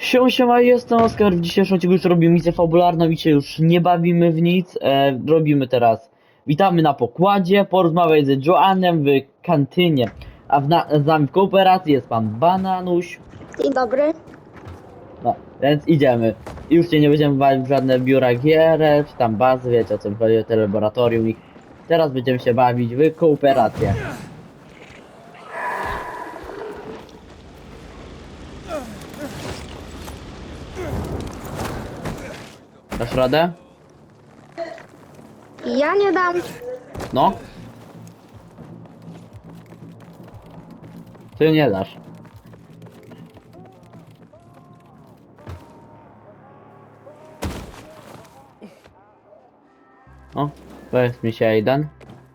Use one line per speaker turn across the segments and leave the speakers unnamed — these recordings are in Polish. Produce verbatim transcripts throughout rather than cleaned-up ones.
Siema, siema, jestem Oskar. W dzisiejszym odcinku już robimy misję fabularną i się już nie bawimy w nic. E, robimy teraz. Witamy na pokładzie, porozmawiać z Joannem w kantynie. A w na, z nami w kooperacji jest pan Bananuś.
Dzień dobry.
No, więc idziemy. I już się nie będziemy bawić w żadne biura gier, czy tam bazy, wiecie o co mi chodzi, te laboratorium. I teraz będziemy się bawić w kooperację. Dasz radę?
Ja nie dam.
No. Ty nie dasz. O, powiedz mi się jeden.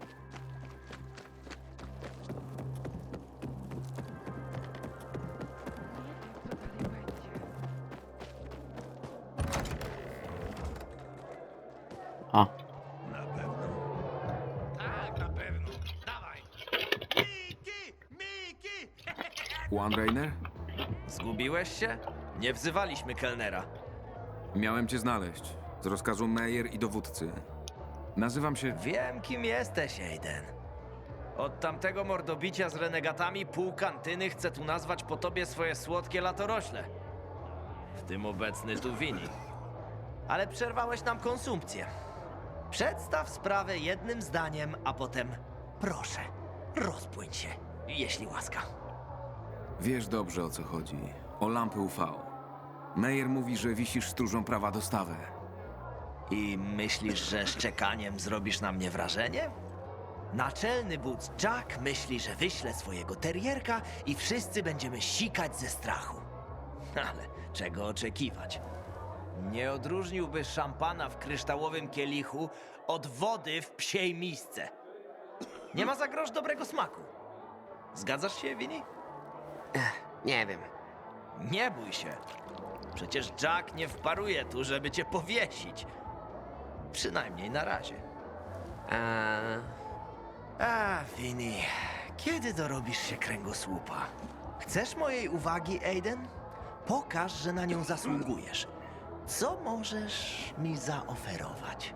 A.
Na pewno. Tak, na pewno. Dawaj. Miki! Miki!
Juan Rainer?
Zgubiłeś się? Nie wzywaliśmy kelnera.
Miałem cię znaleźć. Z rozkazu Meyer i dowódcy. Nazywam się...
Wiem, kim jesteś, Aiden. Od tamtego mordobicia z renegatami pół kantyny chce tu nazwać po tobie swoje słodkie latorośle. W tym obecny tu wini. Ale przerwałeś nam konsumpcję. Przedstaw sprawę jednym zdaniem, a potem proszę, rozpłyń się, jeśli łaska.
Wiesz dobrze, o co chodzi. O lampy U V. Meyer mówi, że wisisz stróżą prawa dostawę.
I myślisz, że szczekaniem zrobisz na mnie wrażenie? Naczelny wódz Jack myśli, że wyśle swojego terierka i wszyscy będziemy sikać ze strachu. Ale czego oczekiwać? Nie odróżniłby szampana w kryształowym kielichu od wody w psiej misce. Nie ma za grosz dobrego smaku. Zgadzasz się, Winnie?
Nie wiem.
Nie bój się. Przecież Jack nie wparuje tu, żeby cię powiesić. Przynajmniej na razie.
Eee,
A, Winnie, kiedy dorobisz się kręgosłupa? Chcesz mojej uwagi, Aiden? Pokaż, że na nią zasługujesz. Co możesz mi zaoferować?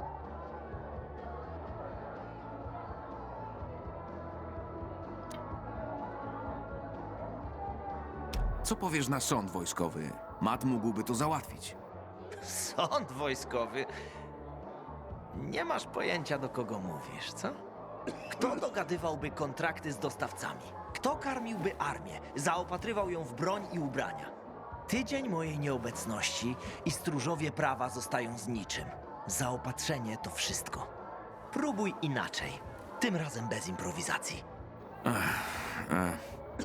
Co powiesz na sąd wojskowy? Matt mógłby to załatwić.
Sąd wojskowy? Nie masz pojęcia, do kogo mówisz, co? Kto dogadywałby kontrakty z dostawcami? Kto karmiłby armię, zaopatrywał ją w broń i ubrania? Tydzień mojej nieobecności i stróżowie prawa zostają z niczym. Zaopatrzenie to wszystko. Próbuj inaczej. Tym razem bez improwizacji.
E,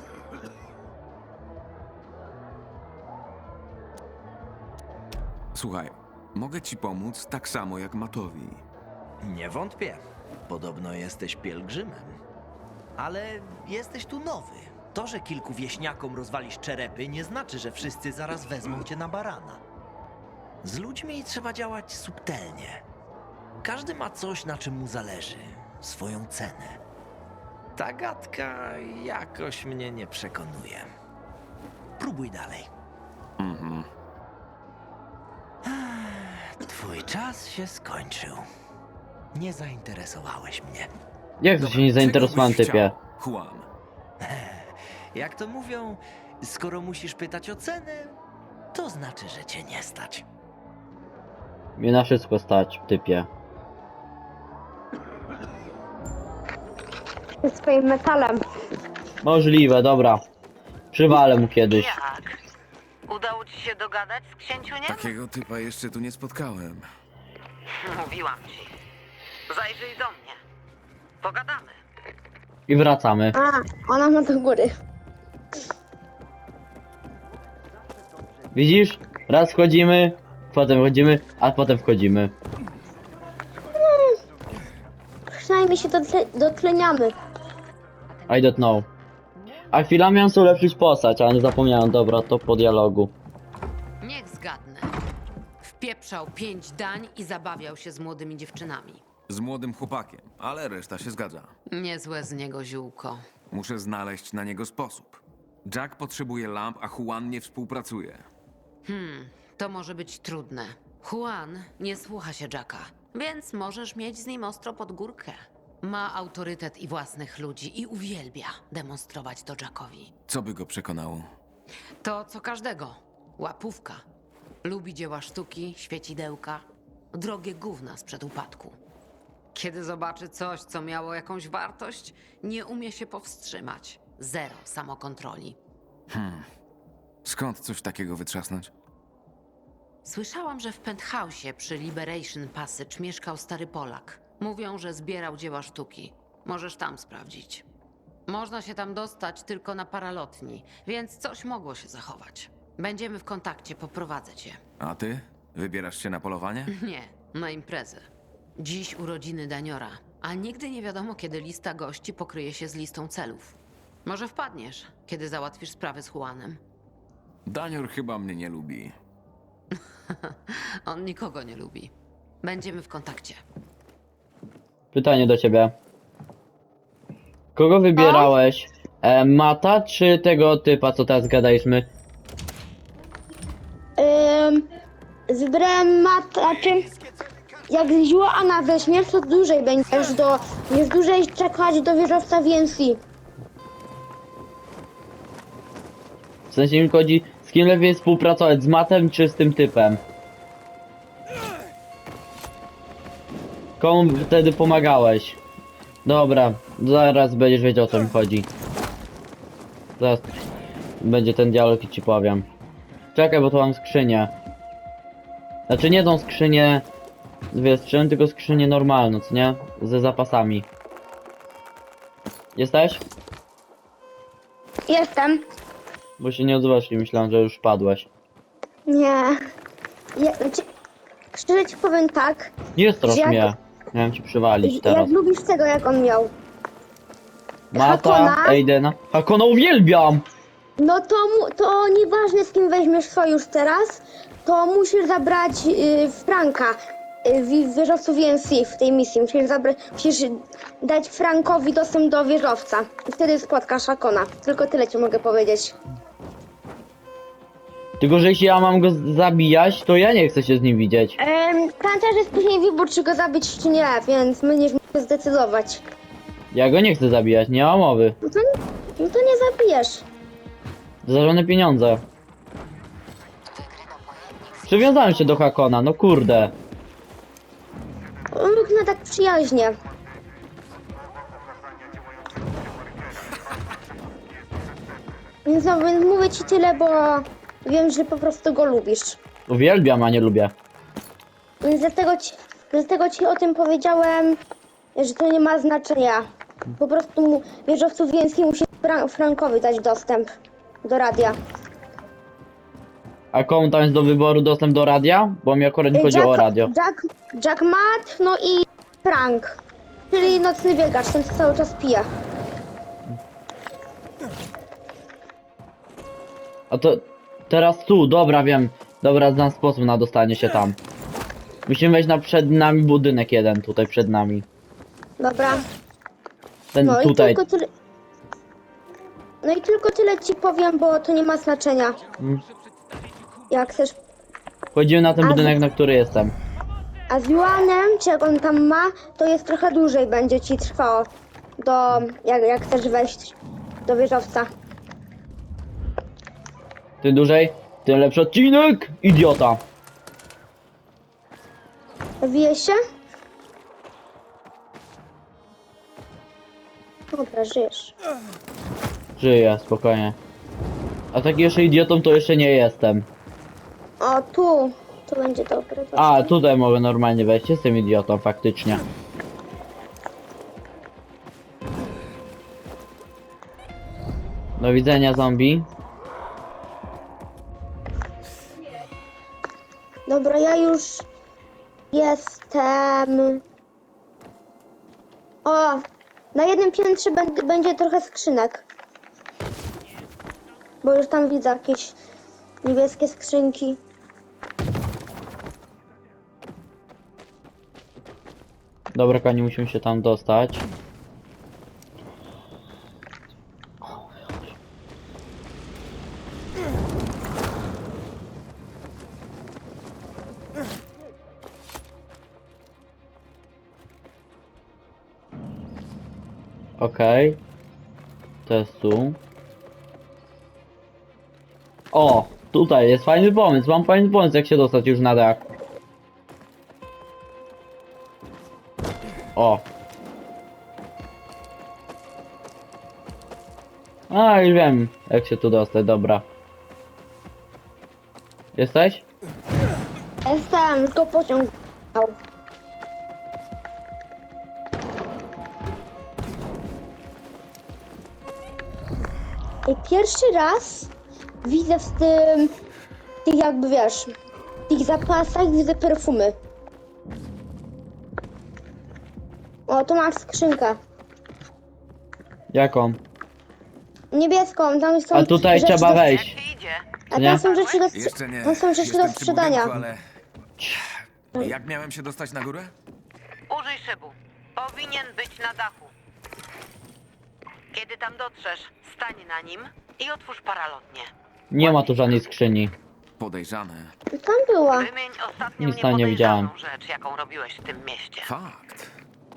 Słuchaj, mogę ci pomóc tak samo jak Mattowi.
Nie wątpię. Podobno jesteś pielgrzymem. Ale jesteś tu nowy. To, że kilku wieśniakom rozwalisz czerepy, nie znaczy, że wszyscy zaraz wezmą cię na barana. Z ludźmi trzeba działać subtelnie. Każdy ma coś, na czym mu zależy. Swoją cenę. Ta gadka jakoś mnie nie przekonuje. Próbuj dalej.
Mhm.
Twój czas się skończył. Nie zainteresowałeś mnie.
Jak to się nie zainteresowałem,
Czego byś
typie?
chciał, Juan.
Jak to mówią, skoro musisz pytać o cenę, to znaczy, że cię nie stać.
Mnie na wszystko stać, typie.
Ze swoim metalem.
Możliwe, dobra. Przywalę mu kiedyś.
jak? Udało ci się dogadać z księciuniem?
Takiego typa jeszcze tu nie spotkałem.
Mówiłam ci. Zajrzyj do mnie. Pogadamy.
I wracamy.
A, ona ma do góry.
Widzisz? Raz wchodzimy, potem wchodzimy, a potem wchodzimy.
Przynajmniej się dotle dotleniamy.
I don't know. A chwilami miałem sobie ulepszyć postać, ale zapomniałem, dobra, to po dialogu.
Niech zgadnę. Wpieprzał pięć dań i zabawiał się z młodymi dziewczynami.
Z młodym chłopakiem, ale reszta się zgadza.
Niezłe z niego ziółko.
Muszę znaleźć na niego sposób. Jack potrzebuje lamp, a Juan nie współpracuje.
Hmm, to może być trudne. Juan nie słucha się Jacka, więc możesz mieć z nim ostro pod górkę. Ma autorytet i własnych ludzi i uwielbia demonstrować to Jackowi.
Co by go przekonało?
To co każdego. Łapówka. Lubi dzieła sztuki, świecidełka, drogie gówna sprzed upadku. Kiedy zobaczy coś, co miało jakąś wartość, nie umie się powstrzymać. Zero samokontroli.
Skąd coś takiego wytrzasnąć?
Słyszałam, że w penthouse'ie przy Liberation Passage mieszkał stary Polak. Mówią, że zbierał dzieła sztuki. Możesz tam sprawdzić. Można się tam dostać tylko na paralotni, więc coś mogło się zachować. Będziemy w kontakcie, poprowadzę cię.
A ty? Wybierasz się na polowanie?
Nie, na imprezę. Dziś urodziny Daniora, a nigdy nie wiadomo, kiedy lista gości pokryje się z listą celów. Może wpadniesz, kiedy załatwisz sprawy z Juanem.
Danior chyba mnie nie lubi.
On nikogo nie lubi. Będziemy w kontakcie.
Pytanie do ciebie. Kogo wybierałeś? E, Mata czy tego typa, co teraz gadaliśmy?
Ym, Wybrałem mat, znaczy jak z Joana weźmiesz, to dłużej będziesz do, jest dłużej czekać do wieżowca V N C.
W sensie mi chodzi, z kim lepiej współpracować, z Matem czy z tym typem? Komu wtedy pomagałeś? Dobra, zaraz będziesz wiedział, o co mi chodzi. Zaraz będzie ten dialog i ci powiem. Czekaj, bo tu mam skrzynię. Znaczy nie tą skrzynię z wietrzem, tylko skrzynię normalną, co nie? Ze zapasami. Jesteś?
Jestem.
Bo się nie odzywasz i myślałem, że już padłeś.
Nie. Ja, znaczy, szczerze ci powiem tak,
Nie strasz
Jak-
mnie. Miałem ci przywalić
jak
teraz.
lubisz tego, jak on miał.
Mata,
Hakona?
Aidena. Hakona uwielbiam!
No to, mu, to nieważne z kim weźmiesz sojusz teraz, to musisz zabrać y, Franka y, w wieżowcu V N C w tej misji. Musisz, zabra- musisz dać Frankowi dostęp do wieżowca. I wtedy spotkasz Hakona. Tylko tyle ci mogę powiedzieć.
Tylko, że jeśli ja mam go z- zabijać, to ja nie chcę się z nim widzieć.
Ehm, Pamiętaj, że jest później wybór, czy go zabić, czy nie, więc będziesz musiał zdecydować.
Ja go nie chcę zabijać, nie ma mowy.
No to, no to nie zabijesz.
Za żadne pieniądze. Przywiązałem się do Hakona, no kurde.
On wygląda tak przyjaźnie. Więc no, więc mówię ci tyle, bo wiem, że po prostu go lubisz.
Uwielbiam, a nie lubię.
Więc dlatego ci, dlatego ci o tym powiedziałem, że to nie ma znaczenia. Po prostu mu, wieżowcu więcej musi Fra- Frankowi dać dostęp do radia.
A komu tam jest do wyboru dostęp do radia? Bo mi akurat nie chodzi o radio.
Jack, Jack Matt, no i Frank. Czyli nocny biegacz, ten co cały czas pije.
A to teraz tu, dobra, wiem. Dobra, znam sposób na dostanie się tam. Musimy wejść na przed nami budynek jeden, tutaj przed nami.
Dobra.
Ten
No
tutaj.
i tylko tyle. No i tylko tyle ci powiem, bo to nie ma znaczenia.
Mm.
Jak chcesz.
Wchodzimy na ten
A
budynek,
z-
na który jestem.
A z Juanem, czy jak on tam ma, to jest trochę dłużej będzie ci trwało. Do. Jak, jak chcesz wejść do wieżowca.
Tym dłużej, tym lepszy odcinek! Idiota!
Wije się? Dobra, żyjesz.
Żyję, spokojnie. A taki jeszcze idiotą to jeszcze nie jestem.
O, tu. To będzie dobre.
A,
właśnie.
tutaj mogę normalnie wejść, jestem idiotą faktycznie. Do widzenia, zombie.
Dobra, ja już jestem. O, na jednym piętrze będ- będzie trochę skrzynek. Bo już tam widzę jakieś niebieskie skrzynki.
Dobra, kochani, musimy się tam dostać. Okej. To jest tu. O! Tutaj jest fajny pomysł. Mam fajny pomysł, jak się dostać już na dach. O! A, już wiem, jak się tu dostać, dobra. Jesteś?
Jestem, tylko pociąg. I pierwszy raz widzę w tym, tych jakby wiesz, w tych zapasach widzę perfumy. O, tu masz skrzynkę.
Jaką?
Niebieską, tam są
A tutaj
rzeczy
trzeba
do-
wejść.
Jak ci idzie?
A
Nie?
tam są rzeczy do,
Jeszcze nie.
tam są rzeczy
Jestem
do
przy
sprzedania.
budynku, ale... Jak miałem się dostać na górę?
Użyj szybu. Powinien być na dachu. Kiedy tam dotrzesz, stań na nim i otwórz paralotnię.
Nie ma tu żadnej skrzyni.
Podejrzane.
Tam była.
Wymień ostatnią
Nic tam nie widziałem.
niepodejrzaną rzecz, jaką robiłeś w tym mieście.
Fakt.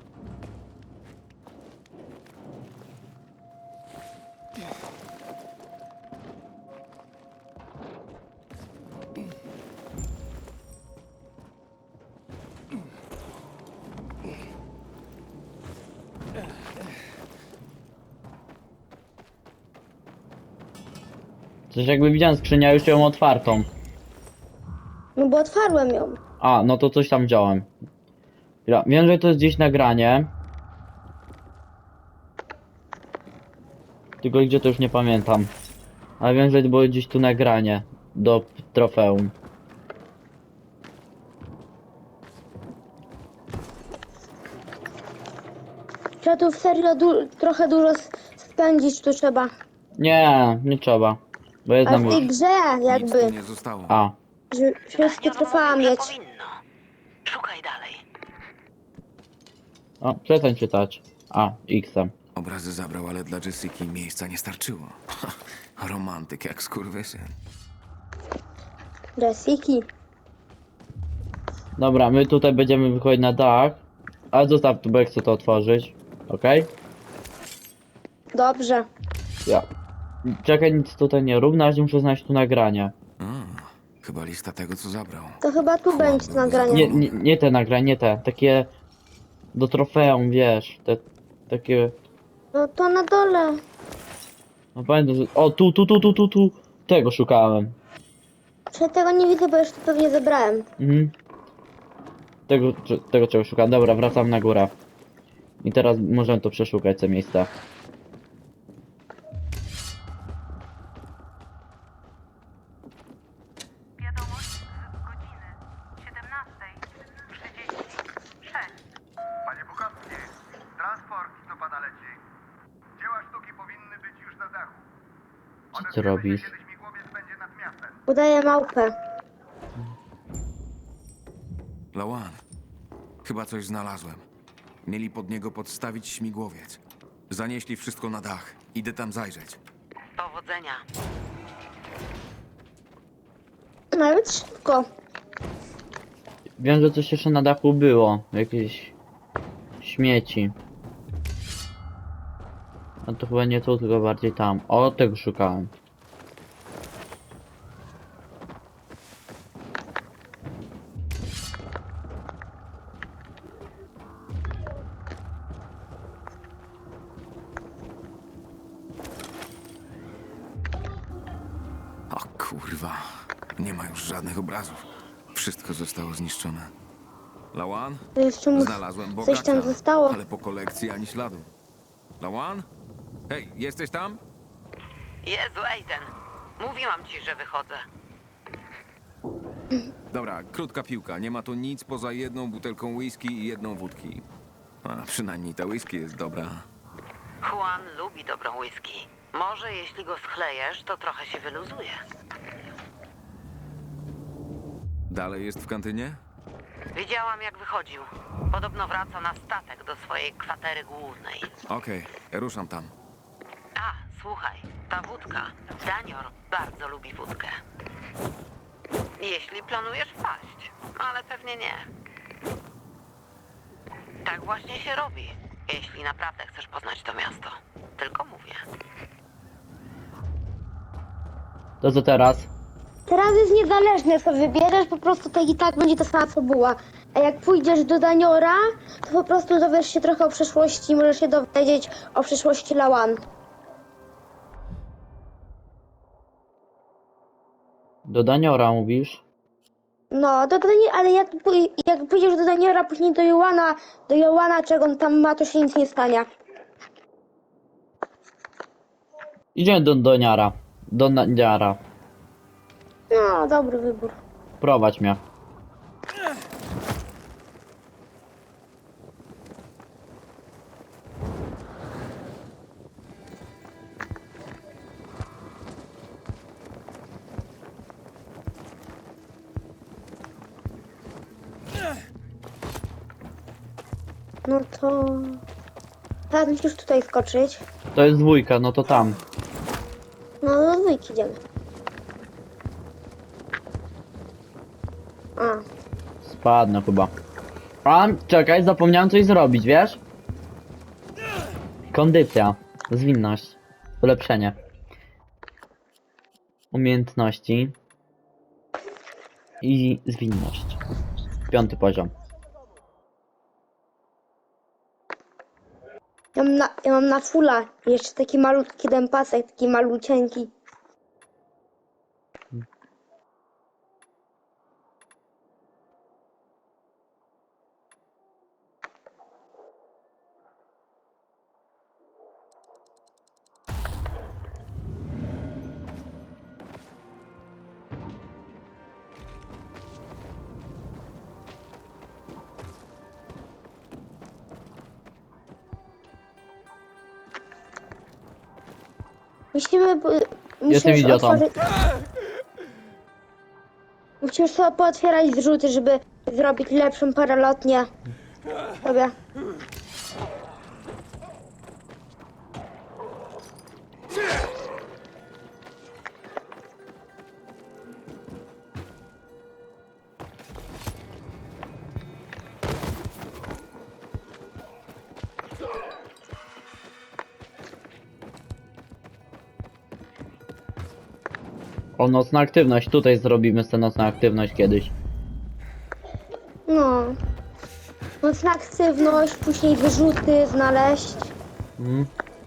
Coś jakby widziałem skrzynię, a już ją otwartą.
No bo otwarłem ją.
A, no to coś tam wziąłem. Ja wiem, że to jest gdzieś nagranie. Tylko gdzie to już nie pamiętam. Ale wiem, że było gdzieś tu nagranie do trofeum.
Trzeba tu w serio du trochę dużo s- spędzić tu trzeba.
Nie, nie trzeba. Bo jest
Ale
nam
w tej
już.
grze
Nic tu
jakby,
nie zostało.
A,
że wszystkie
Daniel
trofea
mówił, że
mieć.
powinno. Szukaj dalej.
o, przestań czytać. A, X-em.
Obrazy zabrał, ale dla Jessiki miejsca nie starczyło. Romantyk jak skurwysyn.
Jessiki.
Dobra, my tutaj będziemy wychodzić na dach. Ale zostaw tu, bo jak chcę to otworzyć. Okej?
Dobrze.
Ja. Czekaj, nic tutaj nie rób, na razie muszę znaleźć tu nagranie.
A, chyba lista tego, co zabrał.
To chyba tu będzie to nagranie.
Nie, nie, nie te nagrania, nie te. Takie do trofeum, wiesz. Te takie.
No to na dole.
No pamiętam, że. O, tu, tu, tu, tu, tu, tu. Tego szukałem.
Czy tego nie widzę, bo już to pewnie zebrałem.
Mhm. Tego, cze- tego czego szukam. Dobra, wracam na górę. I teraz możemy to przeszukać, te miejsca.
Wiadomość z godziny siedemnastej trzydzieści sześć.
Panie Bukowski, transport do pana leci. Dzieła sztuki powinny być już na dachu.
Co ty
Odezwiemy się,
robisz?
kiedy śmigłowiec będzie nad miastem.
Udaję małpę.
Lawan, chyba coś znalazłem. Mieli pod niego podstawić śmigłowiec. Zanieśli wszystko na dach. Idę tam zajrzeć.
Powodzenia.
Nawet szybko.
Wiem, że coś jeszcze na dachu było. Jakieś śmieci. A to chyba nie tu, tylko bardziej tam. O, tego szukałem.
O kurwa. Nie ma już żadnych obrazów. Wszystko zostało zniszczone. Lawan?
To jeszcze mu
Znalazłem
coś
bogacza,
tam zostało.
ale po kolekcji ani śladu. Lawan? Hej, jesteś tam?
Jezu, Aiden. Mówiłam ci, że wychodzę.
Dobra, krótka piłka. Nie ma tu nic poza jedną butelką whisky i jedną wódki. A przynajmniej ta whisky jest dobra.
Juan lubi dobrą whisky. Może jeśli go schlejesz, to trochę się wyluzuje.
Dalej jest w kantynie?
Widziałam, jak wychodził. Podobno wraca na statek do swojej kwatery głównej.
Okej, ruszam tam.
A, słuchaj, ta wódka. Danior bardzo lubi wódkę. Jeśli planujesz wpaść, ale pewnie nie. Tak właśnie się robi. Jeśli naprawdę chcesz poznać to miasto. Tylko mówię.
To co teraz?
Teraz jest niezależne, co wybierzesz, po prostu tak i tak będzie ta sama fabuła. A jak pójdziesz do Daniora, to po prostu dowiesz się trochę o przeszłości, możesz się dowiedzieć o przeszłości Lawan.
Do Daniora mówisz?
No, do Daniora, ale jak, pój- jak pójdziesz do Daniora, później do Joana, do Joana, czego on tam ma, to się nic nie stanie.
Idziemy do Doniara. Do Daniara.
No, dobry wybór.
Prowadź mnie.
No to... Teraz musisz tutaj skoczyć.
To jest dwójka, no to tam.
No, do dwójki idziemy. A,
Spadnę chyba. A, czekaj, zapomniałem coś zrobić, wiesz? Kondycja. Zwinność. Ulepszenie. Umiejętności. I zwinność. Piąty poziom.
ja mam na, ja mam na fulla jeszcze taki malutki dępasek, taki malucieńki. Musimy... bu-
Jestem
musisz
idiotą.
otworzyć- Musisz sobie pootwierać zrzuty, żeby zrobić lepszą paralotnię. Dobra.
O, nocna aktywność. Tutaj zrobimy tę nocną aktywność kiedyś.
No. Mocna aktywność, później wyrzuty znaleźć.
Mm.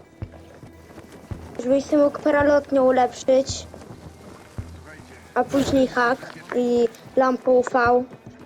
Żebyś sobie mógł paralotnię ulepszyć. A później hak i lampę U V.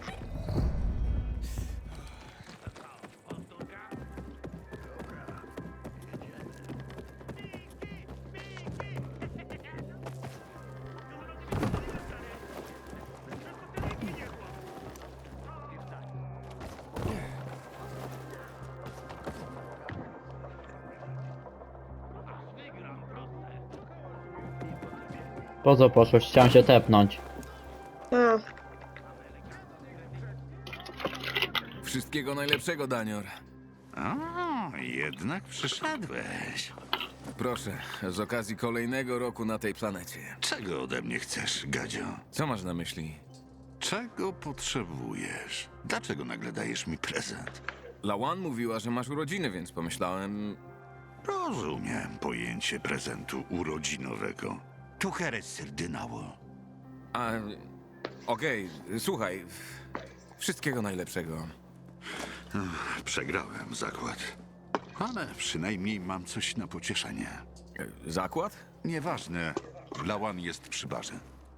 Po co poszłeś? Chciałem się tepnąć.
A.
Wszystkiego najlepszego, Danior.
O, jednak przyszedłeś.
Proszę, z okazji kolejnego roku na tej planecie.
Czego ode mnie chcesz, Gadzio?
Co masz na myśli?
Czego potrzebujesz? Dlaczego nagle dajesz mi prezent?
Lawan mówiła, że masz urodziny, więc pomyślałem...
Rozumiem pojęcie prezentu urodzinowego. Tu heres serdynało.
A... Okej, słuchaj. Wszystkiego najlepszego.
Przegrałem zakład. Ale przynajmniej mam coś na pocieszenie.
E, Zakład?
Nieważne, Lawan jest przy barze.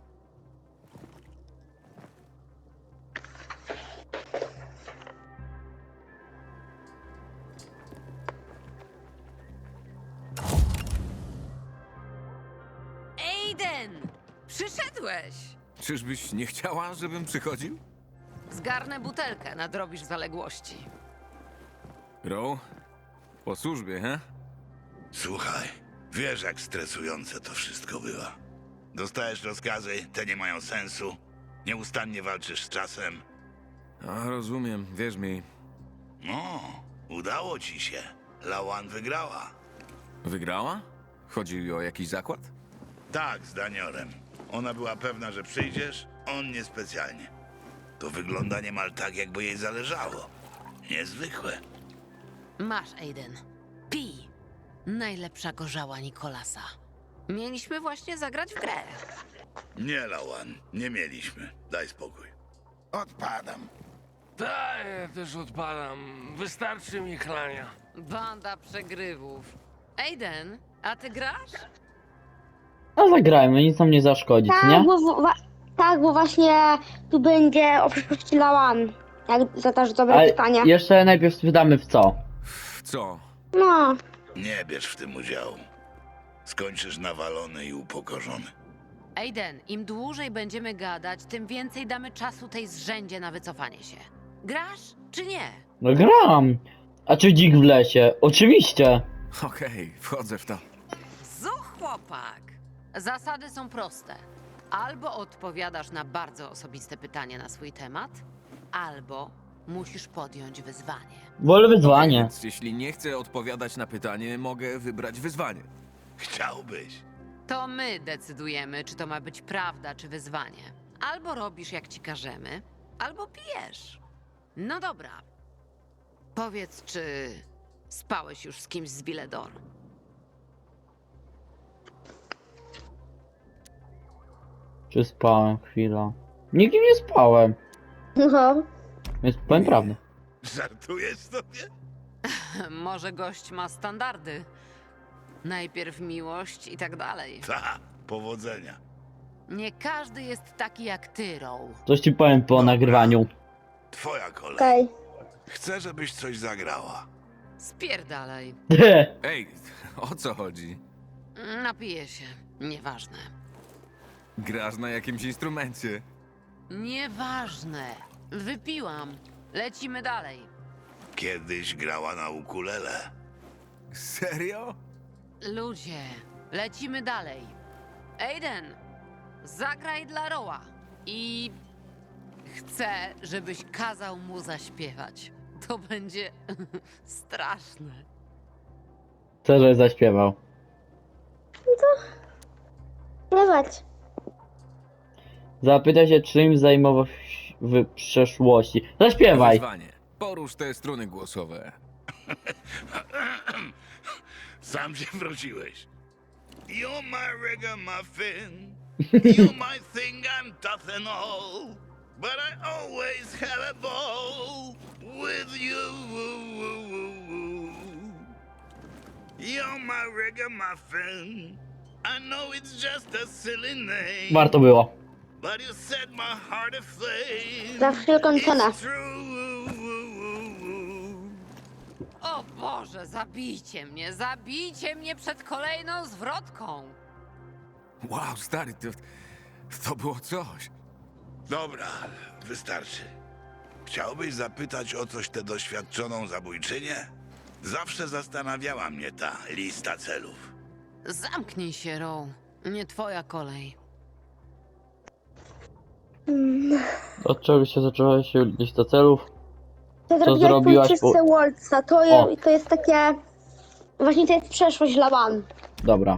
Aiden! Przyszedłeś!
Czyżbyś nie chciała, żebym przychodził?
Zgarnę butelkę, nadrobisz zaległości.
Row? Po służbie, he?
Słuchaj, wiesz jak stresujące to wszystko bywa. Dostajesz rozkazy, te nie mają sensu. Nieustannie walczysz z czasem.
A, rozumiem, wierz mi.
No, udało ci się. Lawan wygrała.
Wygrała? Chodzi o jakiś zakład?
Tak, z Daniorem. Ona była pewna, że przyjdziesz, on niespecjalnie. To wygląda niemal tak, jakby jej zależało. Niezwykłe.
Masz, Aiden. Pij. Najlepsza gorzała Nikolasa. Mieliśmy właśnie zagrać w grę.
Nie, Lawan, nie mieliśmy. Daj spokój.
Odpadam.
Tak, ja też odpadam. Wystarczy mi chlania.
Banda przegrywów. Aiden, a ty grasz?
No zagrajmy, nic nam nie zaszkodzi,
Tak,
nie?
bo, wa- tak, bo właśnie tu będzie o przyszłości Lawan. Jak zadasz dobre
Ale
pytanie.
jeszcze najpierw spytamy w co.
W co?
No,
Nie bierz w tym udziału. Skończysz nawalony i upokorzony.
Aiden, im dłużej będziemy gadać, tym więcej damy czasu tej zrzędzie na wycofanie się. Grasz czy nie?
No gram. A czy dzik w lesie? Oczywiście.
Okej, wchodzę w to.
Zuch, chłopak! Zasady są proste. Albo odpowiadasz na bardzo osobiste pytanie na swój temat, albo musisz podjąć wyzwanie.
Wolę wyzwanie.
Więc jeśli nie chcę odpowiadać na pytanie, mogę wybrać wyzwanie.
Chciałbyś.
To my decydujemy, czy to ma być prawda, czy wyzwanie. Albo robisz, jak ci każemy, albo pijesz. No dobra. Powiedz, czy spałeś już z kimś z Villedor?
Czy spałem chwilę? Nikim nie spałem.
no.
Więc powiem prawdę.
Żartujesz sobie?
Może gość ma standardy. Najpierw miłość i tak dalej.
Ta, powodzenia.
Nie każdy jest taki jak ty, Row.
Coś ci powiem po nagrywaniu.
Twoja kolej.
Okej.
Chcę, żebyś coś zagrała.
Spierdalaj.
Ej, o co chodzi?
Napiję się. Nieważne.
Grasz na jakimś instrumencie?
Nieważne. Wypiłam. Lecimy dalej.
Kiedyś grała na ukulele.
Serio?
Ludzie, lecimy dalej. Aiden, zagraj dla Roa. I chcę, żebyś kazał mu zaśpiewać. To będzie straszne.
Chcę, żebyś zaśpiewał.
Śpiewać.
Zapytaj się, czym zajmował się w przeszłości. Zaśpiewaj.
Wyzwanie. Porusz te struny głosowe.
Sam się wróciłeś. You're my ragamuffin. You're my thing, I'm tough and all. But I always have a ball with you. You're my ragamuffin. I know it's just a silly name.
Warto było.
But you set my heart aflame.
Za wszelką cenę.
It's true.
O Boże, zabijcie mnie, zabijcie mnie przed kolejną zwrotką.
Wow, stary, to, to było coś.
Dobra, wystarczy. Chciałbyś zapytać o coś tę doświadczoną zabójczynię? Zawsze zastanawiała mnie ta lista celów.
Zamknij się, Row. Nie twoja kolej.
Od czego się zaczęła się lista celów?
To
Co
zrobiłaś
zrobiłaś
po
po-
uczystce Waltza. To,
O.
je, to jest takie... Właśnie to jest przeszłość Lawan.
Dobra.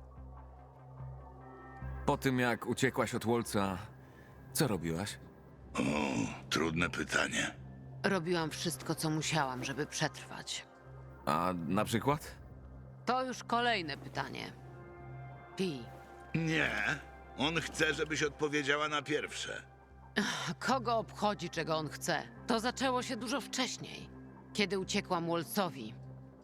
Po tym, jak uciekłaś od Wolca, co robiłaś?
O, trudne pytanie.
Robiłam wszystko, co musiałam, żeby przetrwać.
A na przykład?
To już kolejne pytanie. Pi,
Nie, on chce, żebyś odpowiedziała na pierwsze.
kogo obchodzi, czego on chce? To zaczęło się dużo wcześniej, kiedy uciekłam Wolcowi.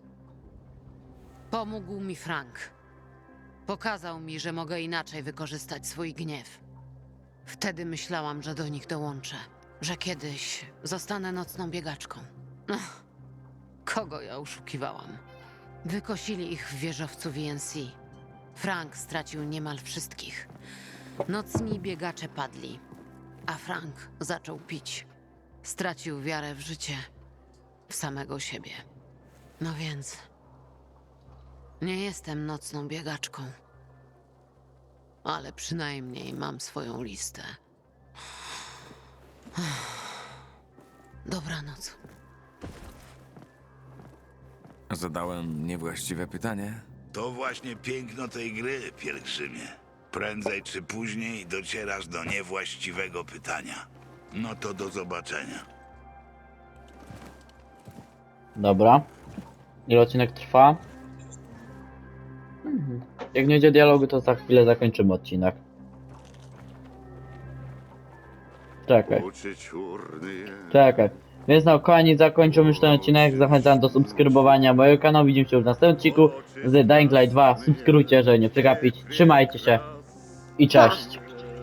Pomógł mi Frank. Pokazał mi, że mogę inaczej wykorzystać swój gniew. Wtedy myślałam, że do nich dołączę. Że kiedyś zostanę nocną biegaczką. Ach, kogo ja oszukiwałam? Wykosili ich w wieżowcu V N C. Frank stracił niemal wszystkich. Nocni biegacze padli, a Frank zaczął pić. Stracił wiarę w życie, w samego siebie. No więc... nie jestem nocną biegaczką. Ale przynajmniej mam swoją listę. Dobranoc.
Zadałem niewłaściwe pytanie?
To właśnie piękno tej gry, pielgrzymie. Prędzej czy później docierasz do niewłaściwego pytania. No to do zobaczenia.
Dobra. Ile odcinek trwa? Mhm. Jak nie będzie dialogu, to za chwilę zakończymy odcinek. Czekaj. Czekaj. Więc na koniec zakończymy już ten odcinek. Zachęcam do subskrybowania mojego kanału. Widzimy się już w następnym odcinku z Dying Light dwa. Subskrybujcie, żeby nie przegapić. Trzymajcie się i cześć.